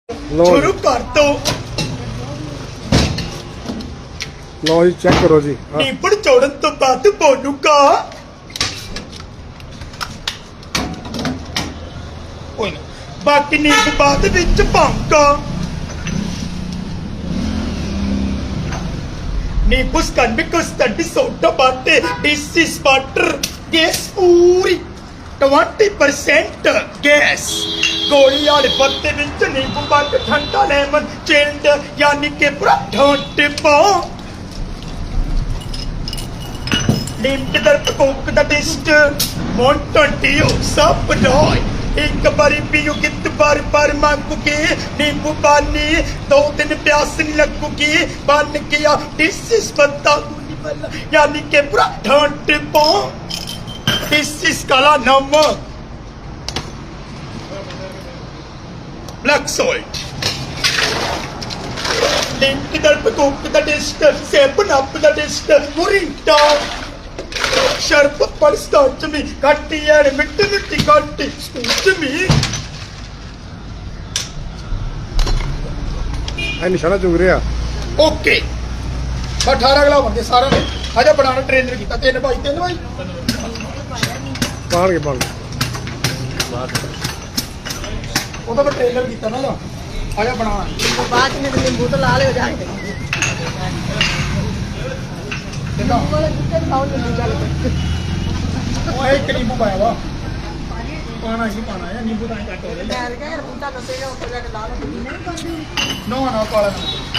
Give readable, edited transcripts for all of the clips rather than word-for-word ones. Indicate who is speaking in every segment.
Speaker 1: शुरू कर दो।
Speaker 2: लो जी चेक करो जी।
Speaker 1: नीबड़ चौड़न तो बाद बोलूंगा। कोई ना, बाकी नींबू बाद विच पाऊंगा। नींबू स्कंद को स्टडी सोडा बाटे दिस इज वाटर गैस पूरी 20% गैस गोली वाले पत्ते विच नींबू बाट ठंडा लेमन चिल्ड यानी कि पूरा ठंडे पा लिमिट दर कोक दा टेस्ट मोंटन टीओ सब रॉय एक बारी पियो कित बार मांगोगे नींबू पानी 2 दिन प्यास नहीं लगोगी बन गया दिस इज पत्ता गोली वाला यानी कि पूरा ठंडे पा दिस इज काला नमक ब्लैक सॉल्ट लिमिट दर कोक दा टेस्ट सेवन अप दा टेस्ट मोरिंडा शरबत पर स्टार्च में काटी यार मिट्टी मिट्टी काटी स्पूच में
Speaker 2: ਇਹ ਨਿਸ਼ਾਨਾ ਚੁਗ ਰਿਹਾ।
Speaker 1: ओके 18 ਅਗਲਾ ਬੰਦੇ ਸਾਰਿਆਂ ਨੇ ਆਜਾ ਬਣਾਉਣਾ ਟ੍ਰੇਨਰ ਕੀਤਾ 3 ਭਾਈ
Speaker 2: ਪਾਣਗੇ
Speaker 1: ਉਹਦਾ ਮੈਂ ਟ੍ਰੇਨਰ ਕੀਤਾ ਨਾ ਆਜਾ ਬਣਾਉਣਾ
Speaker 3: बाद में नींबू तो लाल हो जाएंगे
Speaker 1: ਕਿੰਨਾ ਉਹ ਇੱਕ ਨਿੰਬੂ ਪਾਇਆ ਵਾ ਪਾਣਾ ਹੀ ਪਾਣਾ ਹੈ ਨਿੰਬੂ ਤਾਂ ਘੱਟ ਹੋ ਜਾਏ ਨਾ ਕਾਲਾ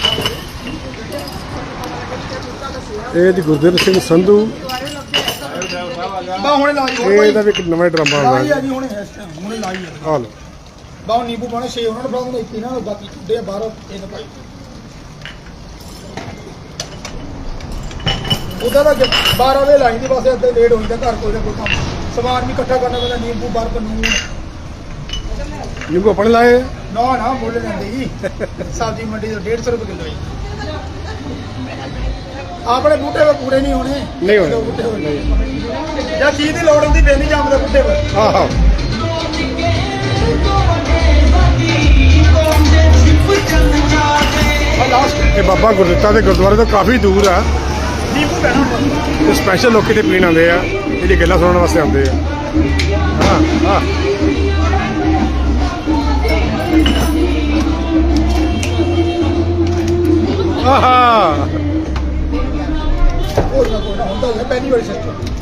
Speaker 2: ਇਹ ਜੀ ਗੁਰਦੇਵ ਸਿੰਘ ਸੰਧੂ
Speaker 1: ਬਾ ਹੁਣੇ ਲਾਈ
Speaker 2: ਇਹ ਦਾ ਵੀ ਇੱਕ ਨਵਾਂ ਡਰਾਮਾ ਆ
Speaker 1: ਲਾਈ ਆ
Speaker 2: ਗਿਆ।
Speaker 1: ਜੀ ਹੁਣੇ ਇਸ ਟਾਈਮ ਹੁਣੇ ਲਾਈ ਆ
Speaker 2: ਆ ਲਓ
Speaker 1: ਬਾਹ ਨਿੰਬੂ ਪਾਣੇ 6 ਉਹਨਾਂ ਨੂੰ ਫੜਾਉਂਦੇ ਇੱਥੇ ਨਾ ਬਾਕੀ ਛੁੱਡੇ ਬਾਹਰ ਇਹ ਤਾਂ ਭਾਈ ਉਹਦਾ ਨਾ 12 ਵੇ ਲਾਈ ਦੀ ਬਸ ਅੱਧੇ ਲੇਟ ਹੋ ਜਾਂਦਾ ਘਰ ਕੋਈ ਨਾ ਕੋਈ ਕੰਮ ਸਮਾਨ ਵੀ ਇਕੱਠਾ ਕਰਨਾ ਪੈਂਦਾ ਨਿੰਬੂ ਬਰਫ ਨੂਨ
Speaker 2: ਨਿੰਬੂ ਆਪਣੇ ਲਾਏ
Speaker 1: ਨਾ ਮੁੱਲ ਲੈਂਦੇ ਜੀ ਸਬਜ਼ੀ ਮੰਡੀ ਤੋਂ 150 ਰੁਪਏ ਕਿਲੋ ਜੀ ਆਪਣੇ ਬੂਟੇ ਵੇ ਪੂਰੇ ਨਹੀਂ ਹੋਣੇ
Speaker 2: ਨਹੀਂ ਹੋਣੇ।
Speaker 1: ਬੂਟੇ ਹੋਣੇ ਜਾਂ ਚੀਜ਼ ਦੀ ਲੋੜ ਹੁੰਦੀ ਫੇਰ ਨਹੀਂ ਜੰਮਦਾ ਬੂਟੇ ਵੇ
Speaker 2: ਆਹੋ
Speaker 1: ਆ ਲਾਸਟ
Speaker 2: ਇਹ ਬਾਬਾ ਗੁਰਦਿੱਤਾ ਦੇ ਗੁਰਦੁਆਰੇ ਤੋਂ ਕਾਫੀ ਦੂਰ ਆ
Speaker 1: ਨਿੰਬੂ ਪੈਣਾ
Speaker 2: ਤੇ ਸਪੈਸ਼ਲ ਲੋਕ ਇੱਥੇ ਪੀਣ ਆਉਂਦੇ ਆ ਇਹਦੀ ਗੱਲਾਂ ਸੁਣਨ ਵਾਸਤੇ ਆਉਂਦੇ ਆ। ਹਾਂ ਆਹਾ
Speaker 1: ਕੋਈ ਨਾ ਹੁੰਦਾ ਹੈ ਪਹਿਲੀ ਵਾਰੀ ਸੱਚ